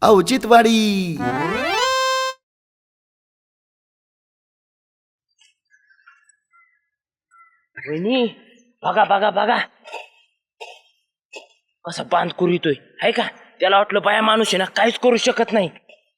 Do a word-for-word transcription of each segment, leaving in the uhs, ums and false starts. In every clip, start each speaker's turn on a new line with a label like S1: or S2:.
S1: औचित्यवाडी.
S2: वहिनी बघा बघा बघा कसा बांध करू येतोय आहे का. त्याला वाटलं बाया माणूस आहे ना काहीच करू शकत नाही.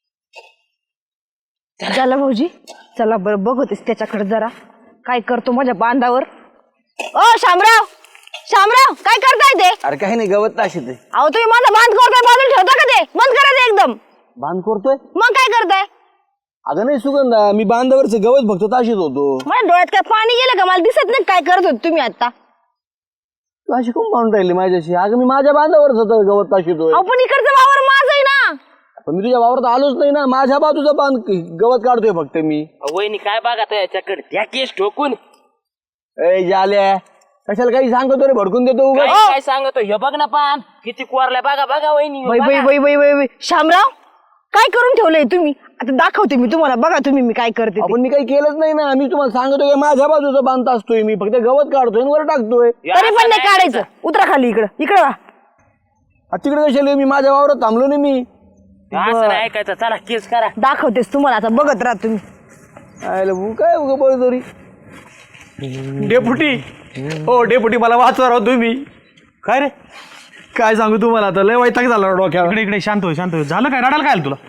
S3: चला भाऊजी चला बरं बघतेस त्याच्याकडे जरा काय करतो माझ्या बांधावर. ओ शामराव शामराव काय करताय ते.
S4: अरे काही नाही गवत ताशी ते
S3: अहो तुम्ही माझा बांध करताय बांधून ठेवता का ते बंद करा ते एकदम.
S4: बांध करतोय.
S3: मग काय करताय.
S4: अगं नाही सुगंधा मी बांधावरच गवत फक्त ताशीत होतो.
S3: माझ्या डोळ्यात काय पाणी गेलं का मला दिसत नाही काय करत होते तुम्ही आता.
S4: तू अशी कोण पाहून राहिली माझ्याशी. अगं मी माझ्या बांधावरच होतो गवत ताशीतोय.
S3: अहो पण इकडचं वावर माझं आहे ना.
S4: पण मी तुझ्या वावरात आलोच नाही ना. माझ्या बाजूचा बांध गवत काढतोय फक्त मी.
S2: वहिनी काय बघा त्याच्याकडे त्या केस ठोकून
S4: ए जाल्या कशाला काही सांगतो रे भडकून देतो
S2: काय
S4: उगाच.
S2: काय सांगतो हे बघ ना पान किती कोरलाय बघा बघा वहिनी
S3: वै वै वै वै वै वै. शामराव काय करून ठेवलंय तुम्ही. आता दाखवते मी तुम्हाला बघा तुम्ही मी काय करते ते.
S4: आपण मी काही केलंच नाही ना. मी तुम्हाला सांगतोय की माझ्या बाजूचा बांध असतोय मी फक्त गवत काढतोय आणि वर टाकतोय.
S3: तरी पण नाही काढायचं. उतरा खाली इकडं इकडं वा.
S4: आ, तिकडे कशाला मी माझ्या वावरात थांबलो नाही मी.
S2: असं नाही ऐकायचं. चला केस करा.
S3: दाखवतेस तुम्हाला आता बघत राहा तुम्ही.
S4: आयला भू काय उगा बळजोरी.
S5: डेपुटी हो डेपुटी मला वाचवा राव तुम्ही. काय रे
S4: काय सांगू तुम्हाला आता लय वैताग झाला डोक्यावर.
S5: इकडे इकडे शांत हो शांत हो. झालं काय रडायला काय आलं तुला.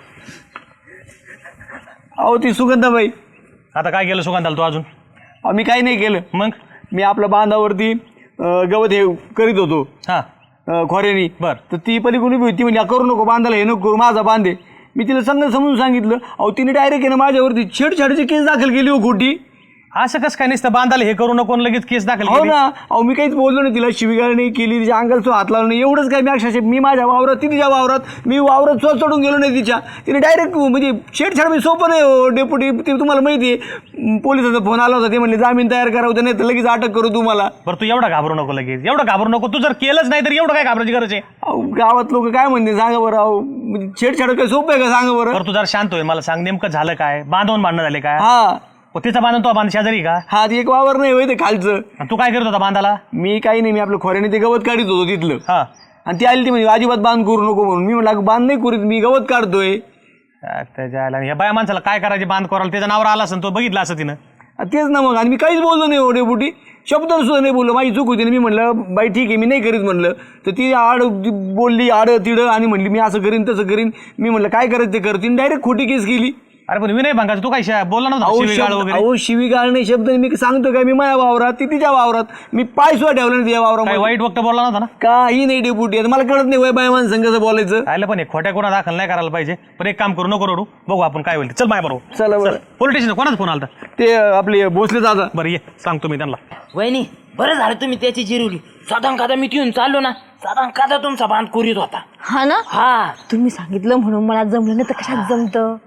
S4: अहो ती सुगंधाबाई.
S5: आता काय केलं सुगंधाला तू अजून.
S4: अहो, मी काही नाही केलं.
S5: मग
S4: मी आपल्या बांधावरती अं, गवत हे करीत होतो
S5: हा
S4: अं, खोऱ्यानी.
S5: बर.
S4: तर ती पलीकडून उभी होती म्हणजे करू नको बांधायला हे नको करू माझा बांधे. मी तिला सांग समजून सांगितलं. अहो तिने डायरेक्ट आहे ना माझ्यावरती छेडछाडची केस दाखल केली हो खोटी.
S5: असं कसं काय नसतं बांधायला हे करू नको लगेच केस दाखल
S4: हो
S5: केली?
S4: ना. अहो मी काहीच बोललो नाही तिला. शिवीगाळ नाही केली तिच्या अंगाला तो हात लावला नाही एवढंच काय. मी अक्षरशः मी माझ्या वावरात ती तिच्या वावरात मी वावरात स्वतः चढून गेलो नाही तिच्या. तिने डायरेक्ट म्हणजे छेडछाड मी सोपं नाही हो डेपुटी. ते तुम्हाला माहिती आहे पोलिसाचा फोन आला होता. ते म्हणले जामीन तयार करा होता नाही तर लगेच अटक करू तुम्हाला.
S5: बरं तू एवढं घाबरू नको लगेच. एवढं घाबरू नको. तू जर केलंच नाही तर एवढं काय घाबरायची गरज आहे.
S4: अहो गावात लोक काय म्हणते सांगा बरं. अहो म्हणजे छेडछाड काय सोपं आहे का सांगा बरं.
S5: बरं तू जर शांत होय मला सांग नेमकं झालं काय. बांधवून भांडणं झाले काय.
S4: हा
S5: ओ, तिचा बांधून तो बांध शेजारी का.
S4: हा ते एक वावर नाही होय ते खालचं.
S5: आणि तू काय करत होता बांधाला.
S4: मी काही नाही. मी आपलं खोऱ्याने ते गवत काढत होतो तिथलं.
S5: हा
S4: आणि ती आली ती म्हणजे अजिबात बांध करू नको म्हणून. मी म्हटलं बांध नाही करीत मी गवत काढतोय.
S5: त्याच्या ह्या बाया माणसाला काय करायचे बांध करायला. त्याच्या नावावर आला असं तो बघितला असं तिनं.
S4: तेच ना मग. आणि मी काहीच बोललो नाही एवढे बुटी शब्द सुद्धा नाही बोललो. माझी चूक होती ना. मी म्हटलं बाई ठीक आहे मी नाही करीत म्हणलं. तर ती आड बोलली आड तिडं आणि म्हणली मी असं करीन तसं करीन. मी म्हटलं काय करायचं ते कर. तिने डायरेक्ट खोटी केस केली.
S5: अरे पण विनय भांगाचं तू काय बोलला नव्हता
S4: अहो
S5: शिवीगाळ
S4: शब्द-
S5: वगैरे.
S4: अहो शिवीगाळ नाही शब्द नाही. मी सांगतो काय मी माझ्या वावरात ती तिच्या वावरात मी पाय सुद्धा ठेवला नाही तिच्या
S5: काय
S4: वावरात.
S5: वाईट वक्त बोलला नव्हता ना.
S4: काही नाही डेपुटी. आता मला कळत नाही वय बाय माणसं कसं बोलायचं.
S5: आयला पण हे खोट्या गुन्हा दाखल नाही करायला पाहिजे. पण एक काम करू नको रडू. बघू आपण काय होईल. चल माय बरोबर.
S4: चला बरं.
S5: पोलीस स्टेशन कोणाचा फोन आला.
S4: ते आपले भोसले दादा.
S5: बरं ये सांगतो मी त्यांना.
S2: वहिनी बरं झालं तुम्ही त्याची जिरवली. साधारण कादा मी घेऊन चाललो ना साधारण कादा तुमचा बांध करीत होता.
S3: हा ना.
S2: हा
S3: तुम्ही सांगितलं म्हणून मला जमलं नाही तर कशात जमतं.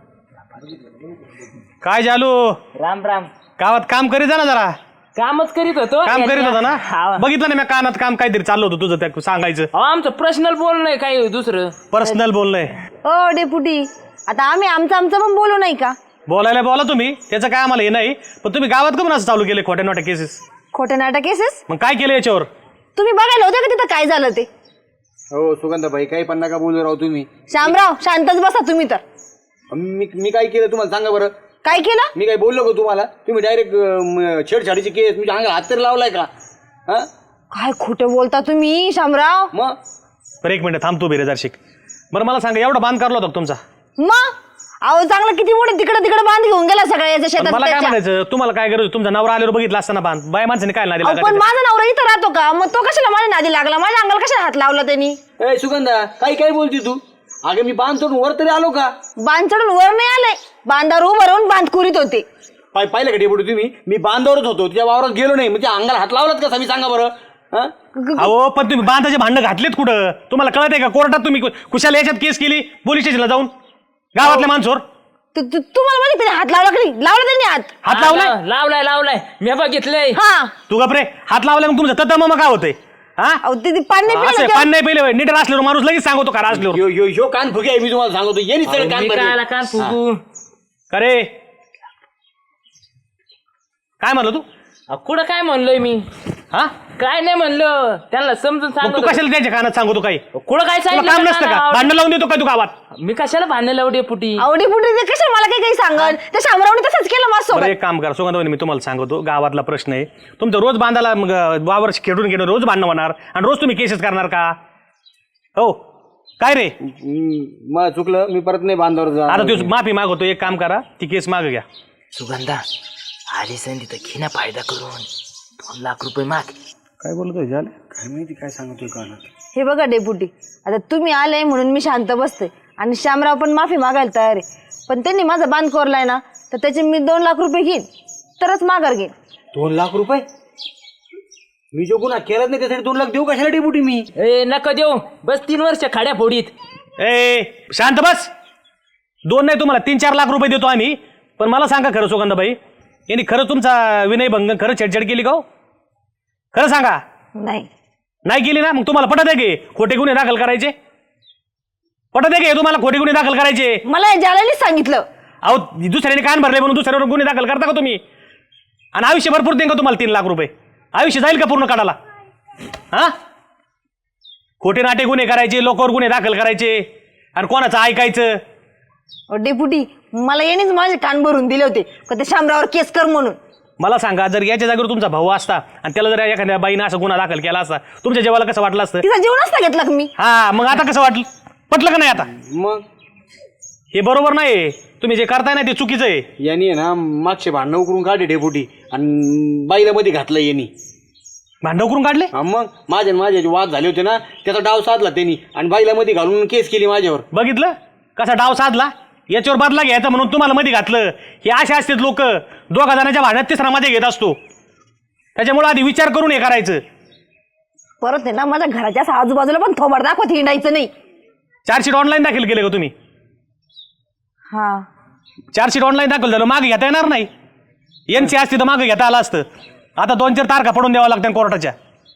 S5: काय झालो
S2: राम राम.
S5: गावात काम करीत जा ना जरा.
S2: कामच करीत होतो.
S5: काम करीत होता ना.
S2: हा.
S5: बघितलं ना मी कानात काम काहीतरी चाललं होतं तुझं त्या सांगायचं.
S2: अहो, आमचं पर्सनल बोलणं आहे काही दुसरं.
S5: पर्सनल बोलणंय.
S3: ओ डेपुटी आता आम्ही आमचं आमचं पण बोलू नाही का.
S5: बोलायला बोला तुम्ही त्याचं काय आम्हाला हे नाही. पण तुम्ही गावात का असं चालू केले खोट्या नोट्या केसेस.
S3: खोटे नाटक केसेस.
S5: मग काय केलं याच्यावर.
S3: तुम्ही बघायला होते का तिथं काय झालं ते.
S4: हो सुगंधाबाई काही पण नका बोलू राव तुम्ही.
S3: शामराव शांतच बसा तुम्ही तर.
S4: मी मी काय केलं तुम्हाला सांगा बरं.
S3: काय केलं.
S4: मी काय बोललो का तुम्हाला. तुम्ही डायरेक्ट छेडछाडीची केस म्हणजे अंगाला हात तरी लावलाय का. हा
S3: काय खोटं बोलता तुम्ही शामराव.
S4: मग
S5: बरं एक मिनिट थांबतो बेरेदार शिक. बरं मला सांगा एवढा बांध करला होता का तुमचा.
S3: मग अहो चांगलं किती मोठे तिकडे तिकडे बांध घेऊन गेला सगळ्या याच्या
S5: पण
S3: शेतात
S5: मला काय
S3: त्याच्या.
S5: म्हणायचं तुम्हाला काय गरज तुमचा नवरा आल्यावर बघितला असताना बांध बाय माणसाने काय नादी
S3: अहो, पण
S5: लागायचं.
S3: माझा नवरा इथं राहतो का मग तो कशाला माझ्या नादी लागला. माझ्या अंगाला कशाला हात लावला त्यांनी.
S4: ए सुगंधा काही काय बोलती तू. अगं मी बांध सोडून वर तरी आलो का.
S3: बांध चढून वर नाही आले. बांधावर उभं राहून बांध कुरीत होते.
S4: पाय पाहिलं का डेपुटी तुम्ही. मी बांधावरच होतो तिच्या वावरात गेलो नाही. म्हणजे अंगाला हात लावलात कसा मी सांगा बरं. हा
S5: अहो पण तुम्ही बांधाचे भांडणं घातलेत कुठं तुम्हाला कळत आहे का. कोर्टात तुम्ही कुशाला याच्यात केस केली पोलीस स्टेशनला जाऊन गावातल्या माणसावर.
S3: तु- तु- तुम्हाला माहिती त्याने हात लावला की नाही. लावला त्यांनी हात.
S5: हात
S2: हा,
S5: लावलाय.
S2: लाव- लावलाय लावलाय मी बघितलंय.
S3: हा
S5: तू गपरे हात लावलाय मग तुमचं तत मग काय होतंय. हा
S3: अहो ते ते पाणी नाही
S5: असं
S3: पिलं
S5: पान नाही पेले नीट असल्यावर माणूस लगेच सांगतो का असल्यावर.
S4: यो यो यो कान फुगे आहे मी तुम्हाला सांगतो. ये नाही सगळं कान
S2: मी
S4: भरले.
S2: कायला कान फुगू.
S5: अरे काय म्हणलं तू.
S2: अहो, कुठं काय म्हणलोय मी
S5: हा
S2: काय नाही म्हणलं त्यांना समजून
S5: मग तू
S2: सांगतो
S5: कशाला त्यांच्या कानात सांगतो काही
S2: कुठं काय
S5: तुला
S2: सांगितलं
S5: काम नसतं का
S2: का?
S5: भांडण लावून देतो का तू गावात
S2: मी कशाला भांडण लावडे पुटी
S3: आवडी पुढे ते कशा मला काही काही सांगत त्या शामरावने तसंच केलं
S5: बरं
S3: माझ्यासोबत.
S5: एक काम करा सुगंधवणी मी तुम्हाला सांगतो गावातला प्रश्न आहे तुमचं रोज बांधायला मग वावर खेळून घेणं रोज भांडणं होणार आणि रोज तुम्ही केसेस करणार का हो काय रे
S4: मला चुकलं मी परत नाही बांधावर जा
S5: आता तू माफी मागवतो एक काम करा ती केस माग घ्या
S2: सुगंधा आली संधी तर घे ना फायदा करून दोन लाख रुपये माग
S4: काय बोलतोय झालं काय माहिती काय सांगतोय का
S3: हे बघा डेपुटी आता तुम्ही आले म्हणून मी शांत बसते आणि श्यामराव पण माफी मागायला तयार आहे पण त्यांनी माझा बांध कोरलाय ना तर त्याचे मी दोन लाख रुपये घेईन तरच माघार घेईन.
S4: दोन लाख रुपये मी जो गुन्हा केलाच नाही त्यासाठी दोन लाख देऊ कशाला डेपुटी मी
S2: ए नका देऊ बस तीन वर्ष खाड्या फोडीत
S5: ए शांत बस दोन नाही तुम्हाला तीन चार लाख रुपये देतो आम्ही पण मला सांगा खरं सुगंधाबाई यांनी खरं तुमचा विनयभंग खरं छेडछाड केली का हो? खरं सांगा
S3: नाही
S5: नाही केली ना मग तुम्हाला पटत आहे की खोटे गुन्हे दाखल करायचे पटत आहे की तुम्हाला खोटे गुन्हे दाखल करायचे
S3: मला या जाल्यानेच सांगितलं.
S5: अहो दुसऱ्याने कान भरले म्हणून दुसऱ्यावर गुन्हे दाखल करता का तुम्ही आणि आयुष्य भरपूर देईन का तुम्हाला तीन लाख रुपये आयुष्य जाईल का पूर्ण काढायला हा खोटे नाटे गुन्हे करायचे लोकांवर गुन्हे दाखल करायचे आणि कोणाचं ऐकायचं
S3: अहो, डेपुटी मला यानेच माझे कान भरून दिले होते का त्या शामरावर केस कर म्हणून.
S5: मला सांगा जर याच्या जागेवर तुमचा भाऊ असता आणि त्याला जर एखाद्या बाईनं असं गुन्हा दाखल केला असता तुमच्या जेवाला कसं वाटलं असतं
S3: तिचा जीव नसता घेतला का मी.
S5: हा मग आता कसं वाटलं पटलं का नाही आता
S4: मग
S5: हे बरोबर नाही तुम्ही जे करताय ना ते चुकीचं आहे
S4: यांनी आहे ना मागचे भांडणं उकरून काढले डेपुटी आणि बाईला मध्ये घातलं यांनी
S5: भांडव करून काढले
S4: हा मग माझ्या आणि माझे जे वाद झाले होते ना त्याचा डाव साधला त्यांनी आणि बाईला मध्ये घालून केस केली माझ्यावर.
S5: बघितलं कसा डाव साधला याच्यावर बदला घ्यायचा म्हणून तुम्हाला मध्ये घातलं हे असे असतात लोक दोघा जणांच्या भांडण्यात तिसरा मध्ये घेत असतो त्याच्यामुळे आधी विचार करून हे करायचं
S3: परत आहे ना माझ्या घराच्या असं आजूबाजूला पण थोबाड दाखवत हिंडायचं नाही.
S5: चार्जशीट ऑनलाईन दाखल केले का तुम्ही
S3: हा
S5: चार्जशीट ऑनलाईन दाखल झालं मागे घेता येणार नाही एन सी असती तर मागे घेता आलं असतं आता दोन चार तारखा पडून द्यावं लागतं कोर्टाच्या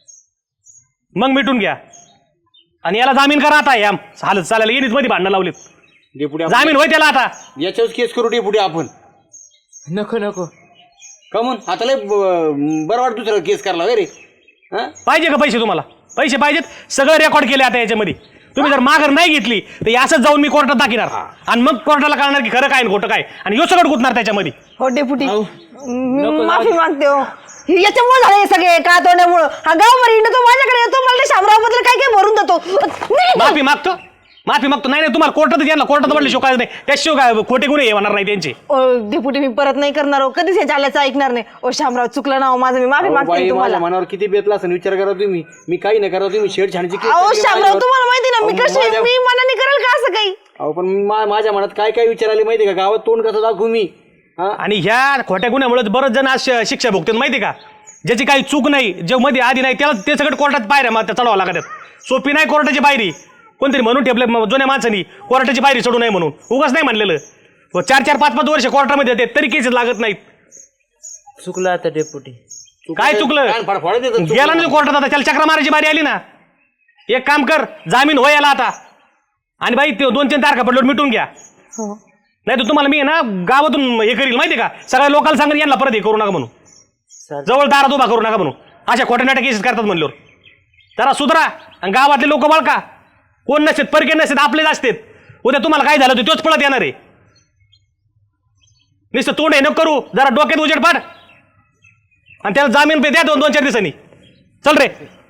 S5: मग मिटून घ्या आणि याला जामीन करा आता या हालत चालेल येणीच मध्ये भांडणं लावलीत
S4: डेपुटी
S5: जामीन होय त्याला आता
S4: याच्यावर केस करू डेपुटी आपण
S2: नको नको
S4: का म्हणून आता लय ब- बरं वाटत दुसरा केस करला रे हा
S5: पाहिजे का पैसे तुम्हाला पैसे पाहिजेत सगळं रेकॉर्ड केले आता याच्यामध्ये तुम्ही जर माघार नाही घेतली तर हे असंच जाऊन मी कोर्टात दाखिणार आणि मग कोर्टाला कळणार की खरं काय आणि खोटं काय आणि यो सगळं गुतणार त्याच्यामध्ये
S3: हो डेपुटी
S2: अहो,
S3: मी
S2: नको,
S3: माफी
S2: जाऊ दे.
S3: मागते हो. हे याच्यामुळे झाले हे सगळे का तोंडामुळं हा गाव मरी तो माझ्याकडे येतो मला शामराव बद्दल काय काय भरून देतो. नाही,
S5: माफी मागतो माफी मागतो नाही नाही तुम्हाला कोर्टात यांना कोर्टात पडले शिवाय नाही त्याशिवाय काय खोटे गुन्हे होणार नाही त्यांचे
S3: ओ डेपुटी मी परत नाही करणार हो कधीच हे चालायचं ऐकणार नाही. ओ शामराव चुकलं ना हो माझं मी माफी
S4: अहो,
S3: मागते
S4: बाई
S3: तुम्हाला.
S4: माझ्या मनावर किती बेतला असं विचार करा तुम्ही मी काही नाही करा तुम्ही शेडछाडची केस
S3: अहो
S4: केली
S3: शामराव
S4: माझ्यावर.
S3: तुम्हाला माहिती ना मी
S4: अहो,
S3: कशी
S4: माझ्या-
S3: मी मनाने करेल का असं काही.
S4: अहो पण मा- माझ्या मनात काय काय विचार आले माहिती का गावात तोंड कसं दाखवू मी हा
S5: आणि ह्या खोट्या गुन्ह्यामुळे बरेच जण आज श- शिक्षा भोगतात माहिती का ज्याची काही चूक नाही जे मध्ये आधी नाही त्याला ते सगळं कोर्टात पायऱ्या मग त्या चढवावं लागतात सोपी नाही कोर्टाची पायरी कोणतरी म्हणून ठेपले म- जुन्या माणसांनी कोर्टाची पायरी चढू नये म्हणून उगाच नाही म्हणलेलं व चार चार पाच पाच वर्ष कोर्टामध्ये येते तरी केसेस लागत नाहीत
S2: चुकलं आता डेपुटी
S5: काय चुकलं
S4: कान फाडफाडत येतात चुकलं.
S5: गेला नाही कोर्टात आता त्याला चक्रा मारायची बारी आली ना एक काम कर जामीन हो याला आता आणि बाई ते दोन तीन तारखा पडल्यावर मिटून घ्या
S3: हो
S5: नाही तर तुम्हाला मी आहे ना गावातून हे करील माहिती का सगळ्या लोकांना सांगेन यांना परत हे करू नका म्हणून
S2: चालेल.
S5: जवळ दारात उभा करू नका म्हणून अशा खोट्या नाट्या केसेस करतात म्हणल्यावर जरा सुधरा आणि गावातले लोक बळका कोण नसतात परके नसतात आपलेच असतात उद्या तुम्हाला काय झालं होतं तोच पळत येणार आहे नुसतं तोंड हे नको करू जरा डोक्यात उजेड पाड आणि त्याला जामीन पे द्या दोन दोन चार दिवसांनी चल रे